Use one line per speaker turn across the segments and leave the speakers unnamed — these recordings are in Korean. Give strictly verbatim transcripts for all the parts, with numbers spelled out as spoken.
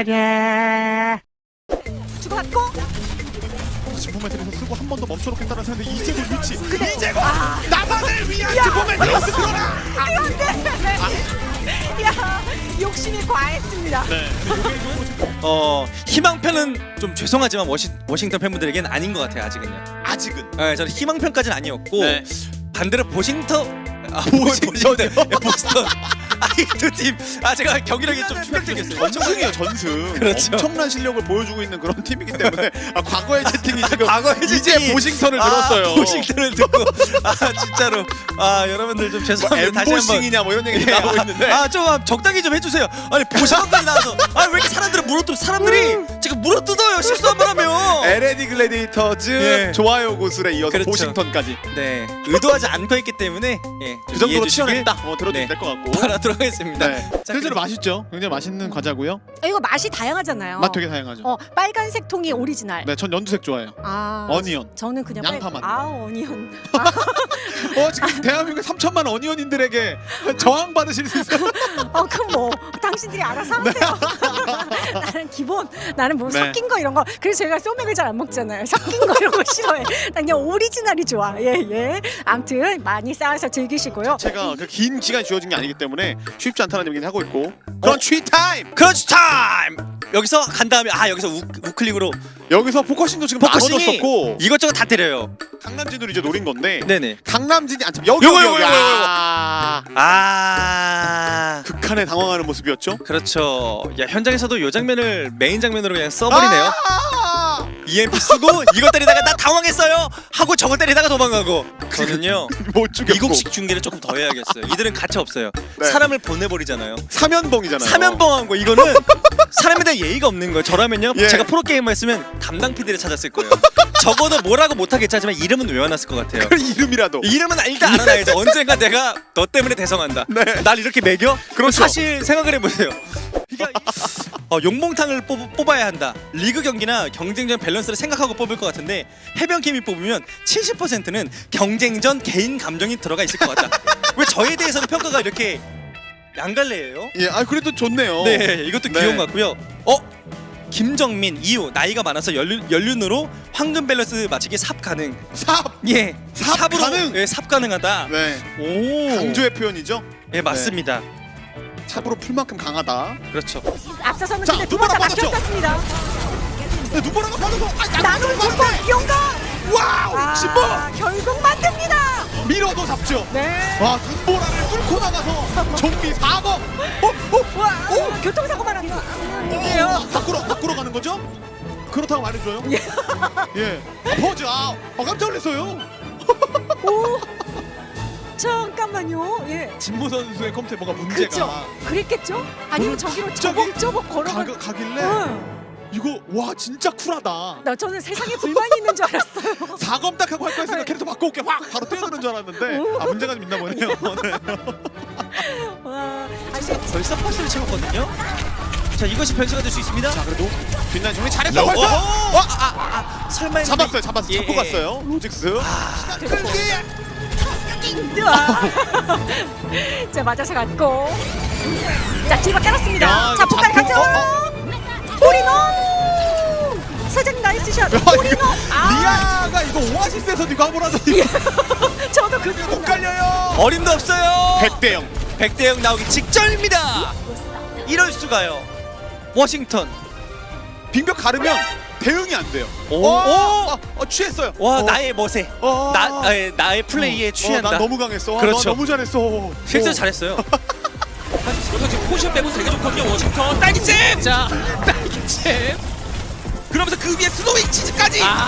차례.
주고받고
진포메트에서 쓰고 한 번 더 멈춰놓겠다는 생각인데 이제도 위치
근데-
이제고
아.
나만을 위한 진포메트에서 들어라.
그런데 야 욕심이 과했습니다.
네.
어 희망편은 좀 죄송하지만 워싱, 워싱턴 팬분들에겐 아닌 것 같아요 아직은요.
아직은
네, 저는 희망편까지는 아니었고
네.
반대로 보싱턴 아
보싱턴이요?
보싱턴 네, 보스턴 아이두팀아 제가 경기력이 좀 충격적이었어요.
전승이에요 전승.
그렇죠.
엄청난 실력을 보여주고 있는 그런 팀이기 때문에 아, 과거의 채팅이 지금
과거의
이제
채팅이-
보싱턴을
아,
들었어요.
보싱턴을 듣고 아 진짜로 아 여러분들 좀 죄송합니다. 다시 한번
엠보싱이냐 뭐 이런 얘기
예,
나오고 있는데
아좀 적당히 좀 해주세요. 아니 보싱턴까지 나와서 아 왜 이렇게 사람들을 물어뜯 사람들이 지금 물어뜯어요 실수 한 번 하면.
엘에디 글래디에이터즈
예.
좋아요 고술에 이어서
그렇죠.
보싱턴까지
네 의도하지 않고 했기 때문에 예,
그 정도로
이해해 주시길
치열했다. 어, 들어도
네.
될 것 같고.
바라도록 하겠습니다.
네. 실제로 맛있죠. 굉장히 맛있는 과자고요.
이거 맛이 다양하잖아요.
맛 되게 다양하죠.
어 빨간색 통이 오리지널.
네, 전 연두색 좋아해요.
아
어니언.
저는 그냥
양파만.
빨... 아 어니언.
어 지금 대한민국 삼천만 어니언인들에게 저항 받으실 수 있어요.
어 그럼 뭐 당신들이 알아서 하세요. 나는 기본 나는 뭐
네.
섞인 거 이런 거 그래서 제가 소맥을 잘 안 먹잖아요. 섞인 거 이런 거 싫어해. 난 그냥 오리지널이 좋아. 예 예. 아무튼 많이 쌓아서 즐기시고요.
제가 그 긴 시간이 주어진 게 아니기 때문에 쉽지 않다는 얘기는 하고 있고. 크런치 타임.
크런치 타임! 여기서 간 다음에 아 여기서 우, 우클릭으로
여기서 포커싱도 지금
포커싱이
나눠졌었고
이것저것 다 때려요.
강남진으로 이제 노린 건데
네네.
강남진이 안 참. 여기
요거,
여기
요거,
여기.
요거, 요거.
아.
아
극한에 당황하는 모습이었죠.
그렇죠. 야 현장에서도 요 장면을 메인 장면으로 그냥 써버리네요.
아!
이엠피 쓰고 이거 때리다가 나 당황했어요 하고 저거 때리다가 도망가고. 저는요
못 죽였고.
미국식 중계를 조금 더 해야겠어요. 이들은 가차 없어요.
네.
사람을 보내버리잖아요.
사면봉이잖아요.
사면봉한 거 이거는 사람에 대한 예의가 없는 거예요. 저라면요
예.
제가 프로게이머였으면 담당 피디를 찾았을 거예요. 적어도 뭐라고 못하겠지 하지만 이름은 외워놨을 것 같아요.
그 이름이라도.
이름은 일단 알아놔야죠. 언젠가 내가 너 때문에 대성한다.
네.
날 이렇게 매겨?
그렇죠.
사실 생각을 해보세요. 그러니까 어, 용봉탕을 뽑, 뽑아야 한다. 리그 경기나 경쟁전 밸런스를 생각하고 뽑을 것 같은데 해변케미 뽑으면 칠십 퍼센트는 경쟁전 개인 감정이 들어가 있을 것 같다. 왜 저에 대해서는 평가가 이렇게 양갈래예요?
예, 아 그래도 좋네요.
네, 이것도
네.
귀여운 것 같고요. 어? 김정민 이유 나이가 많아서 연륜, 연륜으로 황금 밸런스 맞추기 삽 가능.
삽.
예,
삽
삽으로
가능?
예, 삽 가능하다.
네.
오,
강조의 표현이죠.
예 맞습니다.
삽으로 풀 만큼 강하다.
그렇죠.
앞서서는
자,
근데 두
누구나
번 다
받았죠?
막혔었습니다.
네, 누구라고 받아서 아,
나는 두번 용감.
와우!
아,
신보!
결국 만듭니다.
밀어도 잡죠.
네.
와, 눈보라를 뚫고 나가서 좀비 사 번. 어, 어,
와 어, 교통사고만 한 거.
어, 밖으로 밖으로 가는 거죠? 그렇다고 말해줘요.
예.
예. 아, 퍼즈 아, 아 깜짝 놀랐어요.
오. 잠깐만요. 예.
진보 선수의 컴퓨터에 뭔가 문제가
그렇죠. 그랬겠죠? 아니면 저기로
갑자기
저벅저벅 걸어가.
가, 가길래
응.
이거 와 진짜 쿨하다.
나 저는 세상에 불만이 있는 줄 알았어요.
사검 딱 하고 할 거였으니까 캐릭터 바꿔 올게 확 바로 뛰어드는 줄 알았는데 아 문제가 좀 있나 보네요. 네.
와. 아니,
벌써 퍼스를 채웠거든요. 자 이것이 변수가 될 수 있습니다.
자 그래도 뒷라인 정리 잘했어 벌써.
어,
어,
아, 아, 아, 설마 했는데-
잡았어요 잡았어
예,
잡고
예.
갔어요 로직스.
아,
와. 자 맞아서 갔고. 자 뒤로 깔았습니다.
야,
자
이거
폭발
잡고,
가죠. 오리노. 사장님 나이스 샷. 오리노. 아.
리아가 이거 오아시스에서 네가 한번 하더니
저도 그
못 갈려요.
어림도 없어요.
백 대 영.
백 대 영 나오기 직전입니다. 이럴 수가요. 워싱턴.
빙벽 가르면 대응이 안 돼요.
오,
어,
오.
어, 어, 취했어요.
와
어,
나의 멋에
어,
나 에, 나의 플레이에
어,
취한다.
난 너무 강했어. 아,
그렇죠.
나 너무 잘했어.
실제로
어.
잘했어요.
그래서 지금 포지션 빼고 되게 좋거든요. 워싱턴 딸기잼. 자 딸기잼. 그러면서 그 위에 스노윙 치즈까지.
아,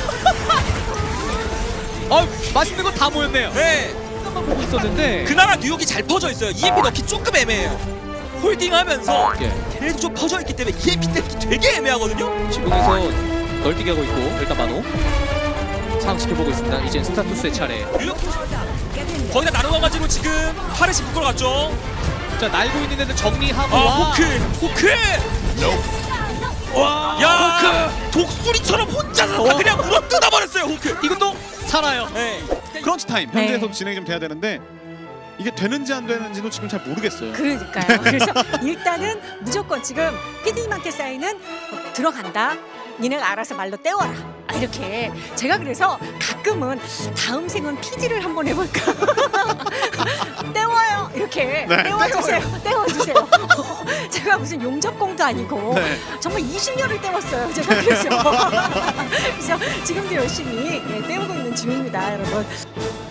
어 맛있는 거 다 모였네요.
네.
잠깐만 보고 있었는데.
그나마 뉴욕이 잘 퍼져 있어요. 이엠피 넣기 조금 애매해요. 홀딩하면서
예.
걔네도 좀 퍼져 있기 때문에 이엠피 때리기 되게 애매하거든요.
지붕에서 널뛰기 하고 있고 일단 만호 상황 지켜보고 있습니다. 이제 스타투스의 차례.
뉴욕 거기다 나눠가지고 지금 파르시 묶으러 갔죠.
자 날고 있는 애들 정리하고
아
와.
호크 호크.
와.
야 독수리처럼 혼자서 다 그냥 물어 뜯어버렸어요 호크.
이것도 살아요.
네.
크런치 타임.
네.
현재에서 진행이 좀 돼야 되는데 이게 되는지 안 되는지도 지금 잘 모르겠어요.
그러니까요. 그래서 일단은 무조건 지금 피디님한테 쌓이는 어, 들어간다. 니네가 알아서 말로 때워라. 아, 이렇게 제가 그래서 가끔은 다음 생은 피디를 한번 해볼까. 때워요. 이렇게
네,
때워주세요. 때워주세요. 제가 무슨 용접공도 아니고
네.
정말 이십 년을 때웠어요. 제가 그래서 그래서 지금도 열심히 예, 때우고 있는 중입니다, 여러분.